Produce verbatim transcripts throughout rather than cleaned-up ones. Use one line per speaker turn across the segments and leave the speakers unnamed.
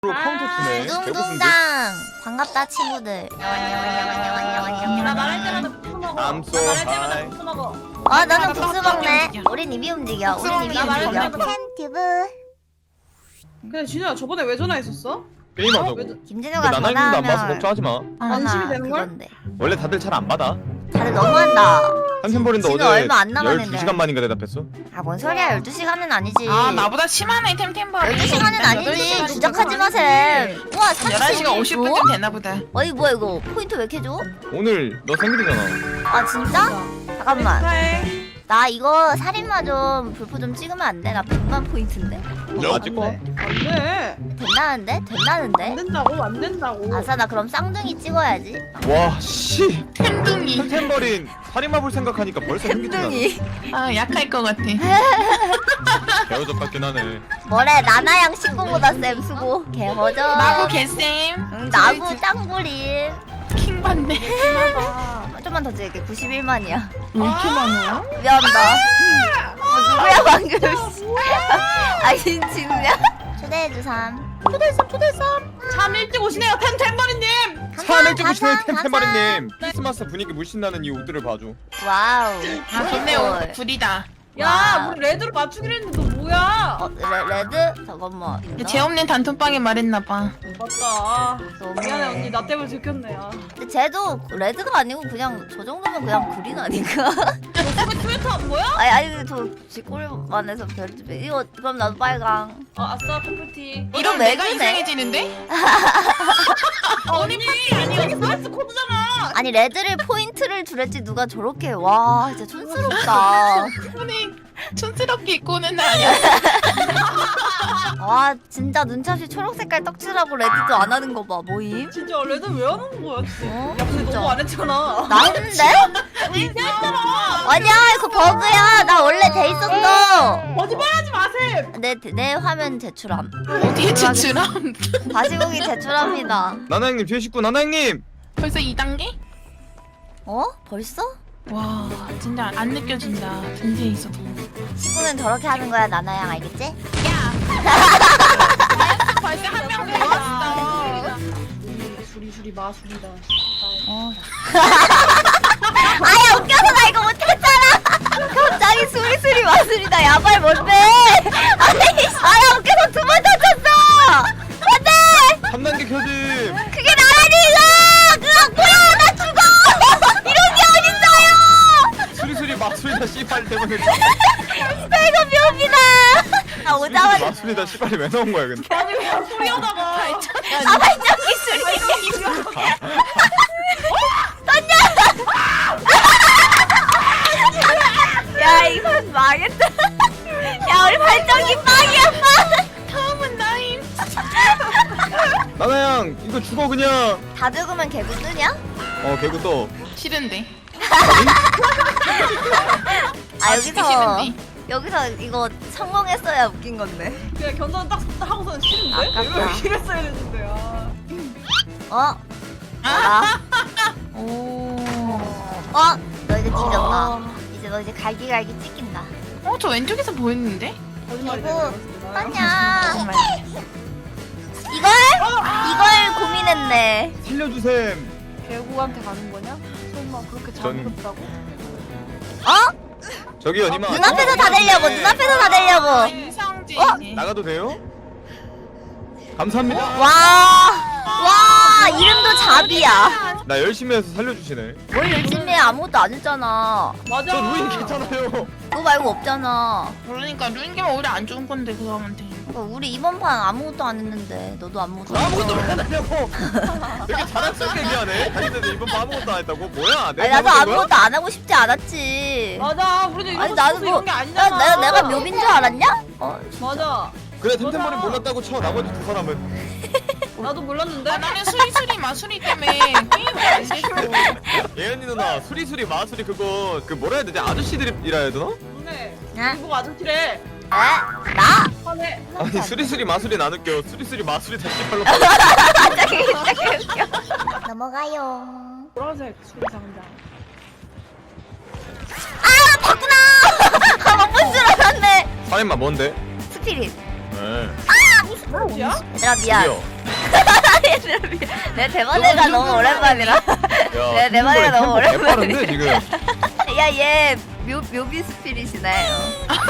카운터 치네. 배고픈데?
둥둥당 반갑다 친구들.
나 말할 때마다 국수 먹어.
I'm so
나 말할 때마다
high.
국수 먹어.
아 나는 국수 먹네. 우린 입이 움직여. 우린 입이
나 말할
움직여.
때마다.
팬튜브.
근데 진우야 저번에 왜 전화했었어?
게임하자고.
왜-
근데
김진우가
나나님도 안 봐서
전화하면
걱정하지 마.
안심이 되는 걸?
그건데.
원래 다들 잘 안 받아.
다들 너무한다.
한샘버린도
진우
어제
얼마 안 남았는데.
열두 시간 만인가 대답했어.
아 뭔 소리야? 열두 시간은 아니지.
아 나보다 심하네 템템버리.
열두 시간은 아니지. 주작하지 마셈. 우와
열한 시간 오십
삼십이
분쯤 되나 보다.
어이 뭐야 이거 포인트 왜 이렇게 줘?
오늘 너 생일이잖아.
아 진짜? 잠깐만.
축하해.
나 이거 살인마 좀 불포 좀 찍으면 안 돼? 나 백만 포인트인데?
너 찍어.
안돼.
된다는데?
안
된다는데?
된다고 안 된다고.
아싸 나 그럼 쌍둥이 찍어야지.
와 씨.
템둥이.
템템버린 살인마 볼 생각하니까 벌써 생기잖아.
아 약할 것 같아.
개어적 같긴 하네.
뭐래 나나양 신고보다 쌤 수고. 개허져.
나고 개쌤.
응, 나부 짱구림.
킹 받네.
좀만 더 찍을게. 구십일만이야.
왜 이렇게 많아요?
미안하다. 뭐 누구야 방금? 아 진진우야? 초대해주삼. 초대해삼 초대해삼.
참 일찍 오시네요 템템버리님.
사내 찍고 싶네
감사,
템템버린님. 크리스마스 분위기 물씬 나는 이 옷들을 봐줘.
와우.
아 근데 오 불이다.
야
와우.
우리 레드로 맞추기로 했는데 너 뭐야?
어 레, 레드? 잠깐만. 있나?
재없는 단톡방에 말했나봐.
맞다. 아,
너무해.
미안해 언니 나 때문에 들켰네. 아.
근데 쟤도 레드가 아니고 그냥 저 정도면 그냥 그린 아닌가?
저기 스웨터 안 보여?
아니 아니 저 쥐꼬리만 해서 별집에 이거 그럼 나도 빨강.
어 아싸 퍼플티.
이런
이런
왜
내가
그래?
이상해지는데?
언니 아니 스웨트 코드잖아.
아니 레드를 포인트를 주랬지 누가 저렇게 와 진짜 촌스럽다.
아니 촌스럽게 입고 오는 날 아니야.
와 진짜 눈차없이 초록 색깔 떡칠하고 레드도 안 하는 거 봐. 뭐임?
진짜 레드 왜 하는 거야? 진짜.
어?
야 근데 너무 안 했잖아.
나 했는데? 아니야 이거 버그야. 나 원래 돼 있었어.
거짓말하지 마세요.
내 내 화면 제출함.
어디에 지출함?
다시보기 제출합니다.
나나형님 뒤에 식구 나나형님.
벌써 이 단계?
어? 벌써?
와 진짜 안 느껴진다. 등지에 있어도.
친구는 저렇게 하는 거야 나나양 알겠지?
야. 벌써 한 명 들어왔어.
수리 수리 마술이다.
어. 아야 웃겨서 나 이거 못했잖아. 갑자기 수리수리 마술이다. 야발 뭔데? 아니 아야 웃겨서 두 번 다쳤어. 안돼.
삼 단계 켜짐.
그게 나라니 이거. 그거 뭐야 나 죽어. 이런 게 어딨어요.
수리수리 마술이다 씨발 때문에.
나 이거 묘비다. 나 오자마자
마술이다 씨발이 왜 나온 거야 근데?
아니 왜 소리 하다가.
아 발전기 수리. 야 이거 망했다. 야 우리 발전기 빵이야 빵.
다음은 나임.
나나양 이거 죽어 그냥.
다 죽으면 개구 뜨냐?
어 개구 또.
싫은데.
아
죽기
여기서
싫은데.
여기서 이거 성공했어야 웃긴 건데.
그냥 견자는 딱 하고서는 싫은데?
아깝다.
왜 이렇게 했어야 되는데 아.
어?
아.
뭐야?
오.
어? 너 이제 뒤졌다. 이제 너 이제 갈기갈기 찍힌다.
어 저 왼쪽에서 보였는데?
거짓말이
개구
되는
떠냐?
정말.
이걸? 이걸 고민했네.
살려주셈.
개구한테 가는 거냐? 설마 그렇게
전-
잘못했다고?
어?
저기요 니마.
눈앞에서 다 되려고. 눈앞에서 다 되려고.
인성지.
어?
나가도 돼요? 감사합니다.
와. 와 이름도 잡이야.
나 열심히 해서 살려주시네.
뭘 열심히 해 아무것도 안 했잖아.
맞아.
저 루인 괜찮아요.
그거 말고 없잖아.
그러니까 루인게임 오히려 안 좋은 건데 그 사람한테.
어, 우리 이번 판 아무것도 안 했는데 너도 아무것도 안
아무것도
했어.
안 하냐고. 되게 자랑스럽게 얘기하네. 자기들 이번 번 아무것도 안 했다고. 뭐야?
아니
내가
나도
잘못한 거야?
아무것도 안 하고 싶지 않았지.
맞아. 우리도 이런
아니
거
나도
싶어서
뭐
이런 게
나,
아니잖아.
내가 내가 묘빈 줄 알았냐? 어
맞아.
그래 템템버린
맞아.
몰랐다고 쳐. 나머지 두 사람은.
나도 몰랐는데.
아 나는 수리수리 마수리 때문에 게임을 안 됐어.
예은이 누나 수리수리 마수리 그거 그 뭐라 해야 되지? 아저씨들이라 해야 되나?
근데
나?
이거 아저씨래.
에? 나?
화내.
아니 수리수리 마수리 안 웃겨. 수리수리 마수리 다시 발로.
갑자기 갑자기 웃겨. 넘어가요.
보라색 수리 상자.
아 봤구나. 아 못 본 줄 알았네.
사인마 뭔데?
스피릿.
네.
아
누구 스포츠야?
얘들아 미안.
드디어.
얘들아 미안. 내 대만애가 너무 오랜만이라.
야,
내 대만애가 너무
템포 개빠른데
오랜만이야.
지금.
야얘 묘비 스피릿이네. 어.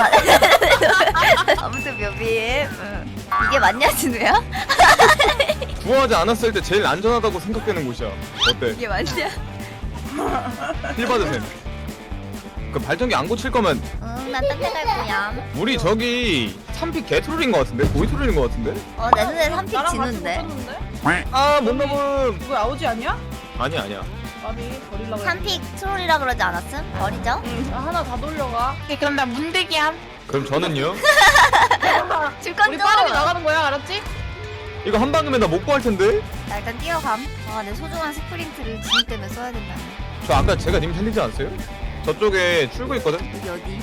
아무튼 묘비. 응. 이게 맞냐 진우야?
구하지 않았을 때 제일 안전하다고 생각되는 곳이야. 어때?
이게 맞냐?
힐 받으셈. 그 발전기 안 고칠 거면
응난 딴 데 갈 거야.
우리 저기 삼 픽 개트롤인 거 같은데? 고이 트롤인 거 같은데?
어내 눈에 삼픽
나랑 같이
지는데.
붙었는데?
아, 못 넘음.
누구 아우지 아니야?
아니야, 아니야.
아니 버리려고
삼픽 트롤이라 그러지 않았음? 버리죠?
응 하나 다 돌려가.
오케이, 그럼 나 문대기함.
그럼 저는요?
줄건
우리
좀.
빠르게 나가는 거야 알았지?
이거 한 방이면 나 못 구할 텐데?
자 일단 뛰어감. 아내 소중한 스프린트를 진우 때문에 써야 된다네.
저 아까 제가 님 살리지 않았어요? 저쪽에 출구 있거든?
여기 어디?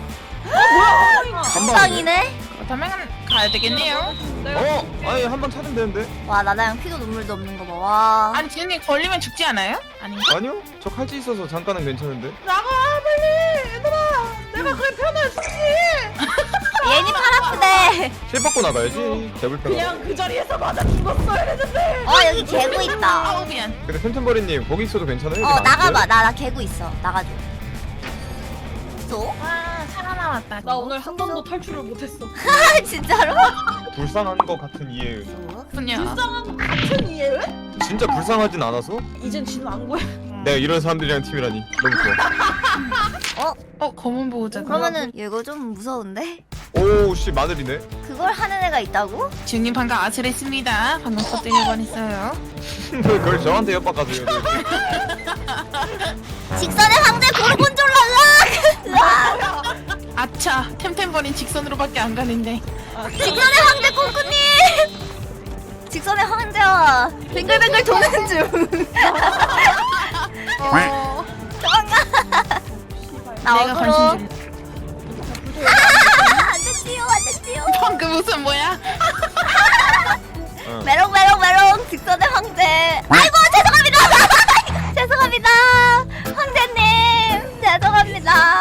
한
한방이네?
그렇다면 가야 되겠네요.
어? 아니, 한 방 찾으면 되는데?
와 나나양 피도 눈물도 없는 거 봐. 와.
아니 지은이 걸리면 죽지 않아요? 아닌가?
아니요? 저 칼찌 있어서 잠깐은 괜찮은데?
나가 빨리 얘들아. 내가 그래 편해주지.
얘니 팔 아프대.
실 받고 나가야지. 개불편하다.
그냥 그 자리에서 맞아 죽었어야 되는데.
어 여기 개구 있다.
아우 미안.
근데 템템버리님 거기 있어도 괜찮아요?
어 나가봐. 나 나 개구 있어. 나가줘. 또?
와 살아남았다.
나 오늘 한 번도 탈출을 못했어.
아 진짜로?
불쌍한 거 같은 이해은.
그렇군요.
불쌍한 거 같은 이해를?
진짜 불쌍하진 않아서?
이젠 진우 안 구해.
내가 이런 사람들이랑 팀이라니 너무 좋아.
어 검은 보호자.
그러면은 이거 좀 무서운데?
오씨 마늘이네.
그걸 하는 애가 있다고?
지은님 방금 아슬했습니다. 방금 터뜨릴 뻔했어요.
그걸 저한테 협박하세요.
직선의 황제 고르곤졸라 으악!
아차 템템버린 직선으로밖에 안 가는데.
직선의 황제 꽁꾸님! 직선의 황제와 뱅글뱅글 도는 중.
어,
도망가. 나
내가
어그로.
관심 줄.
안돼 뛰어 안돼 뛰어.
방금 무슨 뭐야?
어.
메롱 메롱 메롱 직선의 황제. 아이고 죄송합니다. 죄송합니다. 황제님 죄송합니다.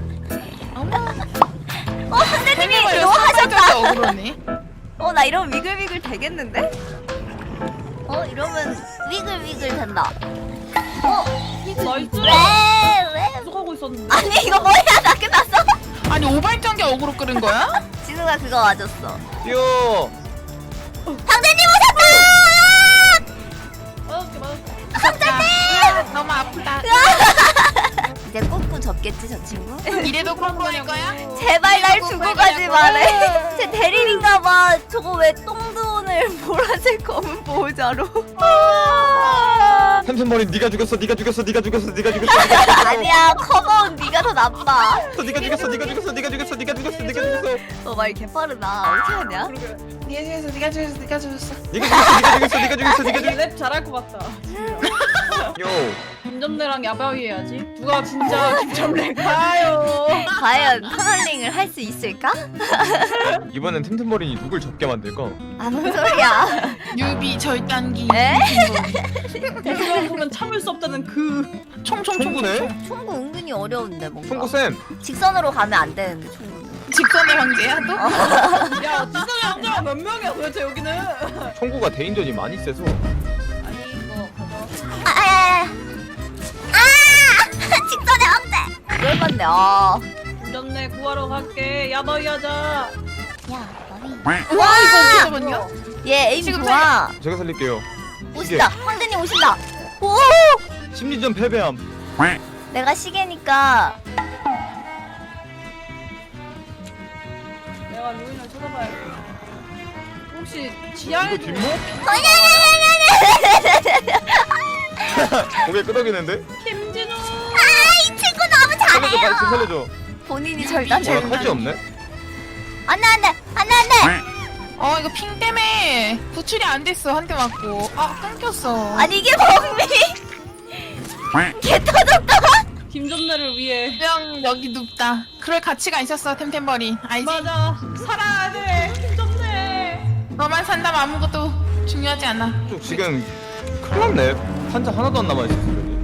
어 황제님이 이거 하셨다.
억울하네.
어 나 이러면 위글위글 되겠는데? 어 이러면 위글위글 된다. 어
나이스.
왜 왜?
계속 하고 있었는데.
아니 이거 뭐야 나 끝났어?
아니 오발전기 어그로 끓은 거야?
진우가 그거 맞았어.
뛰어.
황제님 오셨다!
맞았게 맞았게.
황제님 너무 아프다.
이제 꽁꾸 접겠지 저 친구?
이래도 콩콩할 거야?
제발 날 두고 가지 말래. 제 대리인가봐. 저거 왜 똥두온을 보라색 검은 보호자로?
템템버리 네가 죽였어. 네가 죽였어. 네가 죽였어. 네가 죽였어.
아니야 커버온 네가 더 나빠.
네가 죽였어. 네가 죽였어. 네가 죽였어. 네가 죽였어. 네가 죽였어.
너말 개빠르다. 어떻게 하냐?
네가 죽였어 네가 죽였어 네가 죽였어.
네가 죽였어. 네가 죽였어. 네가 죽였어. 네가
되게
죽였어.
랩 잘할 것 같다.
요.
김점래랑 야바위 해야지. 누가 진짜 김점래 가요.
과연 터널링을 할 수 있을까?
이번엔 템템버린이 누굴 접게 만들까?
아 뭔 소리야?
유비 절단기.
에?
누가 보면 참을 수 없다는 그.
총구네?
총구 은근히 어려운데 뭔가.
총구쌤.
직선으로 가면 안 되는데 총구는.
직선의 황제야 또?
야 지선의 남자가 몇 명이야 도대체 여기는.
총구가 대인전이 많이 세서.
아니 이거 가져.
아, 아, 아, 아! 직선의 황제. 열받네. 아.
김점래 구하러 갈게. 야바위 하자.
야, 너희.
와 이거 잠깐만요.
얘 에임
지금
좋아.
제가 살릴게요.
오신다. 황제님 오신다. 오!
심리전 패배함.
내가 시계니까
내가 루인을 찾아봐야겠다. 혹시 지하에
이거 뒷목? 고개 끄덕이는데?
김진우.
아, 이 친구 너무
살려줘, 빨리 좀
잘해요.
살려줘.
본인이
어,
절단되는.
칼찌 없네?
안돼 안돼 안돼 안돼.
어 이거 핑 때문에 구출이 안 됐어 한 대 맞고. 아 끊겼어.
아니 이게 범위. 개 터졌다.
김점래를 위해.
명 여기 눕다. 그럴 가치가 있었어 템템버린. 알지?
맞아. 살아야 돼. 김점래.
너만 산다면 아무것도 중요하지 않아.
좀 지금 큰일 났네. 판자 하나도 안 남아있어.